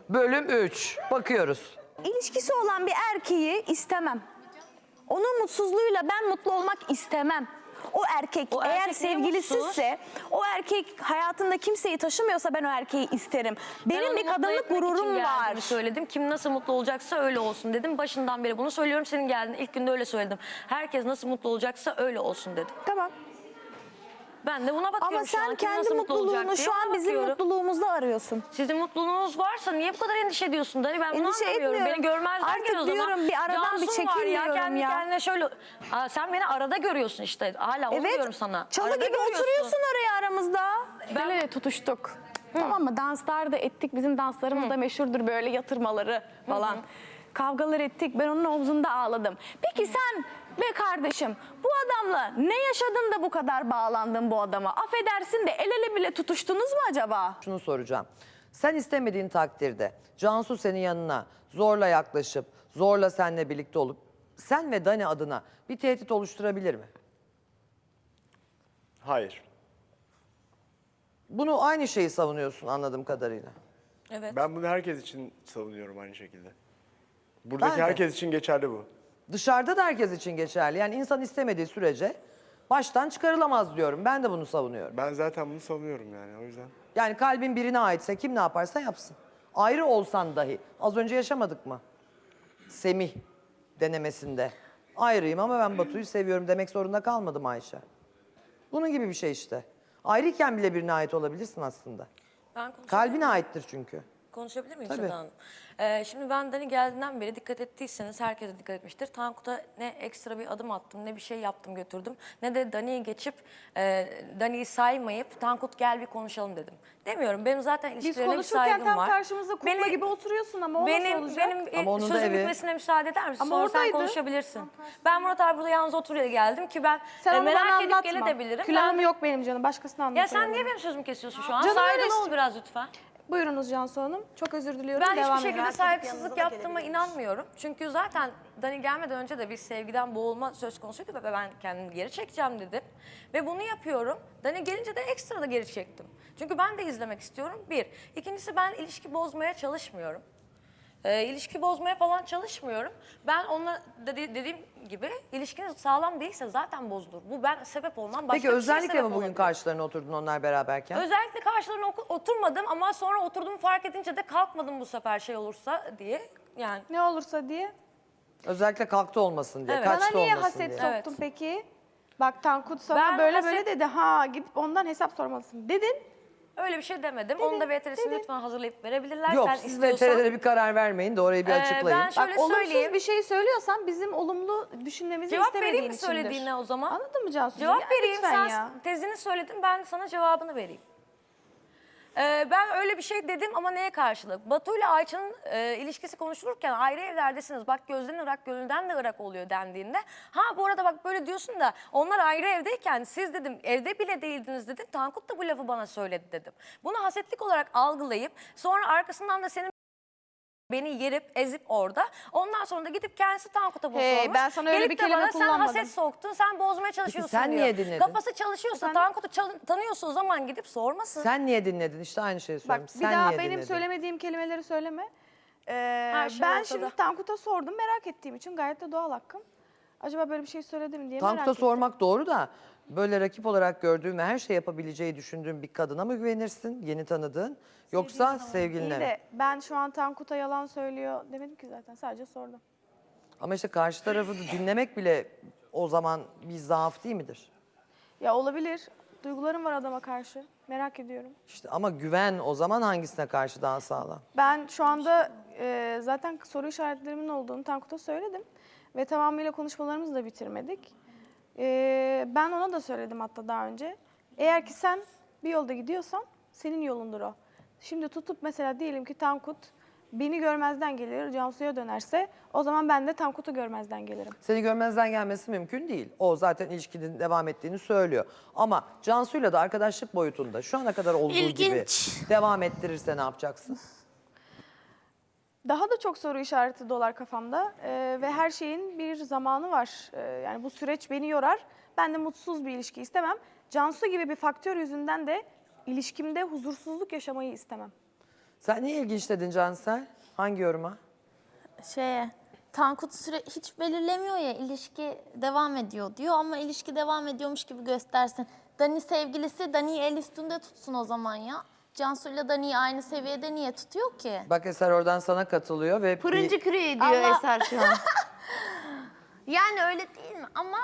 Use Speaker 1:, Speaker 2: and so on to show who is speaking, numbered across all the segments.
Speaker 1: bölüm 3. Bakıyoruz.
Speaker 2: İlişkisi olan bir erkeği istemem. Onun mutsuzluğuyla ben mutlu olmak istemem. O erkek
Speaker 3: O
Speaker 2: eğer
Speaker 3: erkek niye
Speaker 2: sevgilisizse, o erkek hayatında kimseyi taşımıyorsa ben o erkeği isterim.
Speaker 3: Ben
Speaker 2: Benim
Speaker 3: onu
Speaker 2: bir
Speaker 3: mutlu
Speaker 2: kadınlık
Speaker 3: etmek için
Speaker 2: gururum
Speaker 3: geldiğimi
Speaker 2: var.
Speaker 3: söyledim. Kim nasıl mutlu olacaksa öyle olsun dedim. Başından beri bunu söylüyorum. Senin geldiğin ilk günde öyle söyledim. Herkes nasıl mutlu olacaksa öyle olsun dedim.
Speaker 2: Tamam.
Speaker 3: Ben de buna bakıyorum
Speaker 2: Ama
Speaker 3: şu an.
Speaker 2: sen
Speaker 3: Kim
Speaker 2: kendi
Speaker 3: nasıl mutlu olacak
Speaker 2: mutluluğunu
Speaker 3: diye
Speaker 2: şu
Speaker 3: ona
Speaker 2: an bizim
Speaker 3: bakıyorum.
Speaker 2: mutluluğumuzda arıyorsun.
Speaker 3: Sizin mutluluğunuz varsa niye bu kadar endişe ediyorsun Dani? Ben bunu
Speaker 2: Endişe
Speaker 3: anlamıyorum.
Speaker 2: etmiyorum.
Speaker 3: Beni görmezden
Speaker 2: Artık
Speaker 3: gel o zaman.
Speaker 2: diyorum, bir aradan bir
Speaker 3: Cansun var
Speaker 2: çekil diyorum
Speaker 3: kendi
Speaker 2: ya.
Speaker 3: kendine şöyle. Aa, sen beni arada görüyorsun işte. Hala onu diyorum sana.
Speaker 2: Çalı
Speaker 3: Arada
Speaker 2: gibi
Speaker 3: görüyorsun.
Speaker 2: oturuyorsun oraya aramızda.
Speaker 3: Ben-
Speaker 4: Böyle tutuştuk. Tamam mı? Danslar da ettik. Bizim danslarımız da meşhurdur, böyle yatırmaları falan. Kavgalar ettik. Ben onun omzunda ağladım. Peki sen be kardeşim, bu adamla ne yaşadın da bu kadar bağlandın bu adama? Affedersin de el ele bile tutuştunuz mu acaba?
Speaker 1: Şunu soracağım. Sen istemediğin takdirde Cansu senin yanına zorla yaklaşıp, zorla seninle birlikte olup sen ve Dani adına bir tehdit oluşturabilir mi?
Speaker 5: Hayır.
Speaker 1: Bunu aynı şeyi savunuyorsun anladığım kadarıyla.
Speaker 3: Evet.
Speaker 5: Ben bunu herkes için savunuyorum aynı şekilde. Buradaki
Speaker 1: Ben de.
Speaker 5: herkes için geçerli bu.
Speaker 1: Dışarıda da herkes için geçerli. Yani insan istemediği sürece baştan çıkarılamaz diyorum. Ben de bunu savunuyorum.
Speaker 5: Ben zaten bunu savunuyorum yani o yüzden.
Speaker 1: Yani kalbin birine aitse kim ne yaparsa yapsın. Ayrı olsan dahi. Az önce yaşamadık mı? Semih denemesinde. Ayrıyım ama ben Batu'yu seviyorum demek zorunda kalmadım Ayşe. Bunun gibi bir şey işte. Ayrıyken bile birine ait olabilirsin aslında.
Speaker 3: Ben konuşabilir
Speaker 1: Kalbine
Speaker 3: miyim?
Speaker 1: aittir çünkü.
Speaker 3: Konuşabilir miyim
Speaker 1: Tabii.
Speaker 3: Seda Hanım? Şimdi ben Dani geldiğinden beri dikkat ettiyseniz herkes de dikkat etmiştir. Tankut'a ne ekstra bir adım attım, ne bir şey yaptım götürdüm. Ne de Dani'yi geçip Dani'yi saymayıp Tankut gel bir konuşalım dedim. Demiyorum. Benim zaten
Speaker 4: Biz
Speaker 3: ilişkilerine bir
Speaker 4: konuşurken
Speaker 3: saygım
Speaker 4: tam
Speaker 3: var.
Speaker 4: karşımızda kukla gibi oturuyorsun ama o nasıl olacak?
Speaker 3: Benim
Speaker 1: Ama onun da
Speaker 3: sözüm
Speaker 1: evi.
Speaker 3: bitmesine müsaade eder misin?
Speaker 4: Ama
Speaker 3: Sonra sen
Speaker 4: oradaydı.
Speaker 3: konuşabilirsin. Ben Murat abi burada yalnız oturuyor geldim ki ben
Speaker 4: Sen onu bana
Speaker 3: merak edip
Speaker 4: anlatma.
Speaker 3: gelebilirim.
Speaker 4: Külahım yok benim canım. Başkasına
Speaker 3: Ya
Speaker 4: anlatıyorum.
Speaker 3: sen niye benim sözümü kesiyorsun şu an?
Speaker 4: Canım
Speaker 3: Saygılı
Speaker 4: öyle
Speaker 3: ol biraz lütfen.
Speaker 4: Buyurunuz Cansu Hanım. Çok özür diliyorum.
Speaker 3: Ben
Speaker 4: Devam
Speaker 3: hiçbir
Speaker 4: edin.
Speaker 3: şekilde saygısızlık yaptığıma inanmıyorum. Çünkü zaten Dani gelmeden önce de bir sevgiden boğulma söz konusuydu ve ben kendimi geri çekeceğim dedim. Ve bunu yapıyorum. Dani gelince de ekstra da geri çektim. Çünkü ben de izlemek istiyorum. Bir. İkincisi ben ilişki bozmaya çalışmıyorum. İlişki bozmaya falan çalışmıyorum. Ben onunla dediğim gibi ilişkiniz sağlam değilse zaten bozulur. Bu ben sebep olmam. Başka
Speaker 1: Peki
Speaker 3: bir şeye
Speaker 1: özellikle
Speaker 3: sebep
Speaker 1: mi bugün
Speaker 3: olabilir.
Speaker 1: karşılarına oturdun onlar beraberken?
Speaker 3: Özellikle karşılarına oturmadım ama sonra oturduğumu fark edince de kalkmadım bu sefer şey olursa diye. Yani
Speaker 4: Ne olursa diye.
Speaker 1: Özellikle kalktı olmasın diye,
Speaker 3: Evet.
Speaker 4: Bana
Speaker 1: kaçtı
Speaker 4: niye
Speaker 1: olmasın
Speaker 4: haset
Speaker 1: diye.
Speaker 4: soktun peki? Bak Tankut sana
Speaker 3: Ben
Speaker 4: böyle
Speaker 3: haset-
Speaker 4: böyle dedi. Ha gidip ondan hesap sormalısın dedin.
Speaker 3: öyle bir şey demedim. Onu da VTR'sini lütfen hazırlayıp verebilirler.
Speaker 1: Yok
Speaker 3: Sen
Speaker 1: siz
Speaker 3: istiyorsan.
Speaker 1: VTR'lere bir karar vermeyin de orayı bir açıklayın.
Speaker 3: ben şöyle
Speaker 4: Bak olumsuz
Speaker 3: söyleyeyim.
Speaker 4: bir şey söylüyorsan bizim olumlu düşünmemizi
Speaker 3: Cevap
Speaker 4: istemediğin
Speaker 3: vereyim mi
Speaker 4: içindir.
Speaker 3: söylediğine o zaman?
Speaker 4: Anladın mı Cansu'cum?
Speaker 3: Cevap
Speaker 4: Ya
Speaker 3: vereyim.
Speaker 4: lütfen
Speaker 3: Sen
Speaker 4: ya.
Speaker 3: tezini söyledin, ben sana cevabını vereyim. Ben öyle bir şey dedim ama neye karşılık? Batu ile Ayça'nın ilişkisi konuşulurken ayrı evlerdesiniz. Bak gözden ırak, gönülden de ırak oluyor dendiğinde. Ha bu arada bak böyle diyorsun da onlar ayrı evdeyken siz dedim evde bile değildiniz dedim. Tankut da bu lafı bana söyledi dedim. Bunu hasetlik olarak algılayıp sonra arkasından da senin beni yerip ezip orada. Ondan sonra da gidip kendisi Tankut'a bu
Speaker 4: Hey,
Speaker 3: sormuş.
Speaker 4: ben sana öyle
Speaker 3: Gelip
Speaker 4: bir
Speaker 3: de
Speaker 4: kelime
Speaker 3: bana sen
Speaker 4: kullanmadım.
Speaker 3: haset soktun, sen bozmaya çalışıyorsun
Speaker 1: sen
Speaker 3: diyor.
Speaker 1: niye dinledin?
Speaker 3: Kafası çalışıyorsa,
Speaker 4: Efendim?
Speaker 3: Tankut'u tanıyorsa o zaman gidip sormasın.
Speaker 1: Sen niye dinledin? İşte aynı şeyi
Speaker 4: Bak
Speaker 1: söylüyorum.
Speaker 4: bir
Speaker 1: Sen
Speaker 4: daha
Speaker 1: niye
Speaker 4: benim
Speaker 1: dinledin?
Speaker 4: söylemediğim kelimeleri söyleme.
Speaker 3: Her şey
Speaker 4: Ben
Speaker 3: ortada.
Speaker 4: şimdi Tankut'a sordum merak ettiğim için gayet de doğal hakkım. Acaba böyle bir şey söyledi mi diye merak
Speaker 1: Tankut'a
Speaker 4: ettim.
Speaker 1: sormak doğru da böyle rakip olarak gördüğün ve her şey yapabileceği düşündüğün bir kadına mı güvenirsin yeni tanıdığın yoksa sevgiline
Speaker 4: İyi
Speaker 1: mi?
Speaker 4: de ben şu an Tankut'a yalan söylüyor demedim ki zaten sadece sordum.
Speaker 1: Ama işte karşı tarafı da dinlemek bile o zaman bir zaaf değil midir?
Speaker 4: Ya olabilir. Duygularım var adama karşı. Merak ediyorum.
Speaker 1: İşte ama güven o zaman hangisine karşı daha sağlam?
Speaker 4: Ben şu anda zaten soru işaretlerimin olduğunu Tankut'a söyledim. Ve tamamıyla konuşmalarımızı da bitirmedik. Ben ona da söyledim hatta daha önce. Eğer ki sen bir yolda gidiyorsan senin yolundur o. Şimdi tutup mesela diyelim ki Tankut beni görmezden gelir, Cansu'ya dönerse o zaman ben de Tankut'u görmezden gelirim.
Speaker 1: Seni görmezden gelmesi mümkün değil. O zaten ilişkinin devam ettiğini söylüyor. Ama Cansu'yla da arkadaşlık boyutunda şu ana kadar olduğu gibi devam ettirirse ne yapacaksın?
Speaker 4: Daha da çok soru işareti dolar kafamda ve her şeyin bir zamanı var. Yani bu süreç beni yorar. Ben de mutsuz bir ilişki istemem. Cansu gibi bir faktör yüzünden de ilişkimde huzursuzluk yaşamayı istemem.
Speaker 1: Sen niye ilginç dedin Cansel? Hangi yoruma?
Speaker 6: Tankut hiç belirlemiyor ya, ilişki devam ediyor diyor ama ilişki devam ediyormuş gibi göstersin. Dani sevgilisi Dani'yi el üstünde tutsun o zaman ya. Cansu'yla Dani'yi aynı seviyede niye tutuyor ki?
Speaker 1: Bak Eser oradan sana katılıyor ve
Speaker 2: Fırıncı küreği diyor
Speaker 6: Ama-
Speaker 2: Eser şu an.
Speaker 6: Yani öyle değil mi? Ama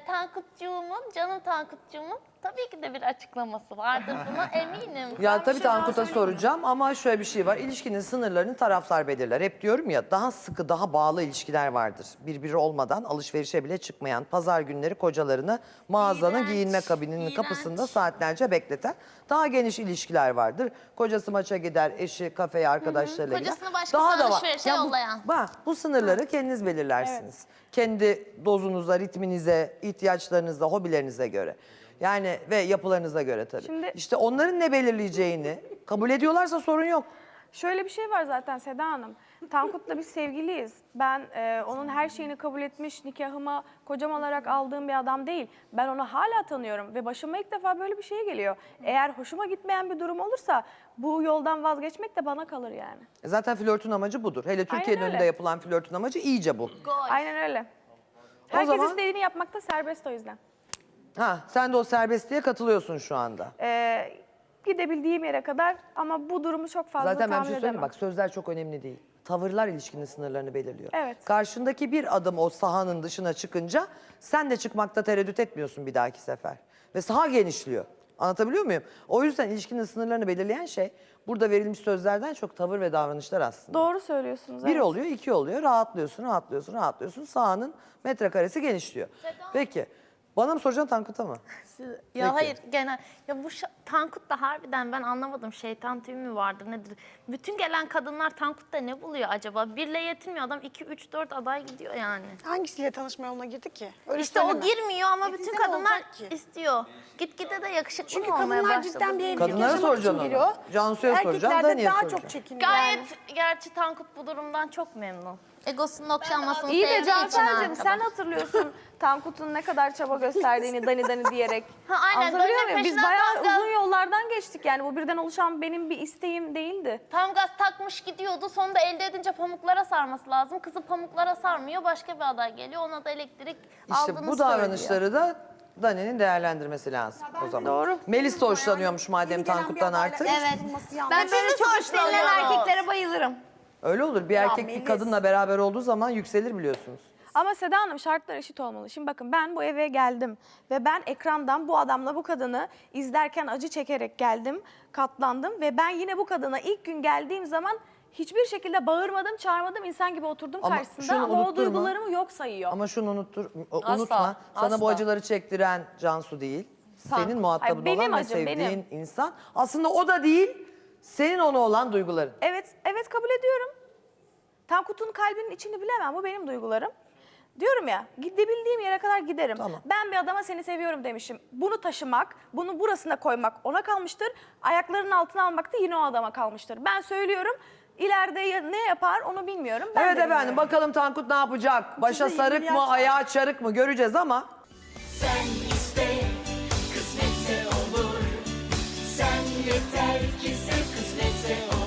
Speaker 6: canım Tankutcuğumun tabii ki de bir açıklaması vardır, buna eminim.
Speaker 1: Ya tabii Tankut'a soracağım ama şöyle bir şey var. İlişkinin sınırlarını taraflar belirler. Hep diyorum ya, daha sıkı, daha bağlı ilişkiler vardır. Birbiri olmadan alışverişe bile çıkmayan, pazar günleri kocalarını mağazanın
Speaker 6: İğrenç,
Speaker 1: giyinme kabininin
Speaker 6: iğrenç.
Speaker 1: kapısında saatlerce bekleten daha geniş ilişkiler vardır. Kocası maça gider, eşi kafeye arkadaşlarıyla gider.
Speaker 6: Kocasını başkası
Speaker 1: da var.
Speaker 6: alışverişe
Speaker 1: Ya
Speaker 6: yollayan.
Speaker 1: bu sınırları kendiniz belirlersiniz. Kendi dozunuza, ritminize, ihtiyaçlarınıza, hobilerinize göre. Yani ve yapılarınıza göre tabii.
Speaker 4: Şimdi-
Speaker 1: İşte onların ne belirleyeceğini kabul ediyorlarsa sorun yok.
Speaker 4: Şöyle bir şey var zaten Seda Hanım. Tankut'la biz sevgiliyiz. Ben onun her şeyini kabul etmiş, nikahıma kocam olarak aldığım bir adam değil. Ben onu hala tanıyorum ve başıma ilk defa böyle bir şey geliyor. Eğer hoşuma gitmeyen bir durum olursa bu yoldan vazgeçmek de bana kalır yani.
Speaker 1: Zaten flörtün amacı budur. Hele Türkiye'nin
Speaker 4: öyle.
Speaker 1: önünde yapılan flörtün amacı iyice bu.
Speaker 4: Aynen öyle. Herkes
Speaker 1: zaman-
Speaker 4: istediğini yapmakta serbest o yüzden.
Speaker 1: Ha, sen de o serbestliğe katılıyorsun şu anda.
Speaker 4: Gidebildiğim yere kadar ama bu durumu çok fazla
Speaker 1: Zaten ben bir
Speaker 4: tahmin
Speaker 1: şey söyleyeyim mi?
Speaker 4: edemem.
Speaker 1: Bak sözler çok önemli değil. Tavırlar ilişkinin sınırlarını belirliyor.
Speaker 4: Evet.
Speaker 1: Karşındaki bir adım o sahanın dışına çıkınca sen de çıkmakta tereddüt etmiyorsun bir dahaki sefer. Ve saha genişliyor. Anlatabiliyor muyum? O yüzden ilişkinin sınırlarını belirleyen şey burada verilmiş sözlerden çok tavır ve davranışlar aslında.
Speaker 4: Doğru söylüyorsunuz.
Speaker 1: Bir
Speaker 4: evet.
Speaker 1: oluyor, iki oluyor. Rahatlıyorsun. Sahanın metrekaresi genişliyor. Peki. Bana mı soracaksın Tankut'a mı?
Speaker 6: Ya
Speaker 1: Peki.
Speaker 6: hayır, genel ya bu Tankut'ta harbiden ben anlamadım, şeytan tüyü mü vardır nedir? Bütün gelen kadınlar Tankut'ta ne buluyor acaba? Birle yetinmiyor adam, 2 3 4 aday gidiyor yani.
Speaker 7: Hangisiyle tanışma yoluna girdi ki? Öyle
Speaker 6: İşte o
Speaker 7: söyleme.
Speaker 6: girmiyor ama bütün
Speaker 7: Gitse ne
Speaker 6: kadınlar
Speaker 7: olacak ki?
Speaker 6: istiyor. Gitgide de yakışıklı
Speaker 7: Çünkü
Speaker 6: mı olmaya
Speaker 7: kadınlar
Speaker 6: başladı?
Speaker 7: cidden bir evlilik
Speaker 1: Kadınlara
Speaker 7: yaşamak için
Speaker 1: soracaksın
Speaker 7: giriyor.
Speaker 1: onu. Cansu'ya soracağım,
Speaker 7: Erkekler de
Speaker 1: Dani'ye
Speaker 7: daha
Speaker 1: soracağım.
Speaker 7: çok çekiniyor.
Speaker 6: Gayet,
Speaker 7: yani.
Speaker 6: gerçi Tankut bu durumdan çok memnun. Egosunun okşanmasını
Speaker 4: İyi de
Speaker 6: sevdiği için
Speaker 4: Cansel'cim
Speaker 6: arkadaş.
Speaker 4: sen hatırlıyorsun Tankut'un ne kadar çaba gösterdiğini Dani diyerek.
Speaker 6: Ha, aynen,
Speaker 4: Anlatabiliyor
Speaker 6: Dani'nin
Speaker 4: muyum? Biz
Speaker 6: peşinden
Speaker 4: bayağı
Speaker 6: tam gaz-
Speaker 4: uzun yollardan geçtik yani bu birden oluşan benim bir isteğim değildi.
Speaker 6: Tam gaz takmış gidiyordu. Sonunda elde edince pamuklara sarması lazım. Kızı pamuklara sarmıyor. Başka bir aday geliyor. Ona da elektrik
Speaker 1: İşte
Speaker 6: aldığını
Speaker 1: bu
Speaker 6: söylüyor.
Speaker 1: davranışları da Dani'nin değerlendirmesi lazım o zaman.
Speaker 4: Doğru.
Speaker 1: Melis de hoşlanıyormuş madem
Speaker 7: Yeni gelen
Speaker 1: Tankut'tan
Speaker 7: bir adayla
Speaker 1: artık.
Speaker 7: eş bulunması yanlış.
Speaker 2: Ben böyle çok hoşlanan erkeklere bayılırım.
Speaker 1: Öyle olur. Bir erkek bir
Speaker 7: Melis.
Speaker 1: kadınla beraber olduğu zaman yükselir biliyorsunuz.
Speaker 4: Ama Seda Hanım şartlar eşit olmalı. Şimdi bakın ben bu eve geldim ve ben ekrandan bu adamla bu kadını izlerken acı çekerek geldim, katlandım ve ben yine bu kadına ilk gün geldiğim zaman hiçbir şekilde bağırmadım, çağırmadım, insan gibi oturdum
Speaker 1: Ama
Speaker 4: karşısında
Speaker 1: şunu
Speaker 4: ama o
Speaker 1: unutturma.
Speaker 4: duygularımı yok sayıyor.
Speaker 1: Ama şunu unutma.
Speaker 3: Asla,
Speaker 1: Sana bu
Speaker 3: asla.
Speaker 1: acıları çektiren Cansu değil. Senin muhatabın
Speaker 4: Ay, benim
Speaker 1: olan ve
Speaker 4: acım,
Speaker 1: sevdiğin
Speaker 4: benim.
Speaker 1: insan. Aslında o da değil. Senin ona olan duyguların.
Speaker 4: Evet kabul ediyorum. Tankut'un kalbinin içini bilemem, bu benim duygularım. Diyorum ya, gidebildiğim yere kadar giderim.
Speaker 1: Tamam.
Speaker 4: Ben bir adama seni seviyorum demişim. Bunu taşımak, bunu burasına koymak ona kalmıştır. Ayaklarının altına almak da yine o adama kalmıştır. Ben söylüyorum, ileride ne yapar onu bilmiyorum. Ben
Speaker 1: Evet
Speaker 4: de
Speaker 1: efendim,
Speaker 4: bilmiyorum.
Speaker 1: bakalım Tankut ne yapacak? Başa
Speaker 7: 20
Speaker 1: sarık
Speaker 7: yaş
Speaker 1: mı,
Speaker 7: var.
Speaker 1: ayağa çarık mı göreceğiz ama...
Speaker 8: Sen iste, kısmetse olur. Sen yeter ki sev, kısmetse olur.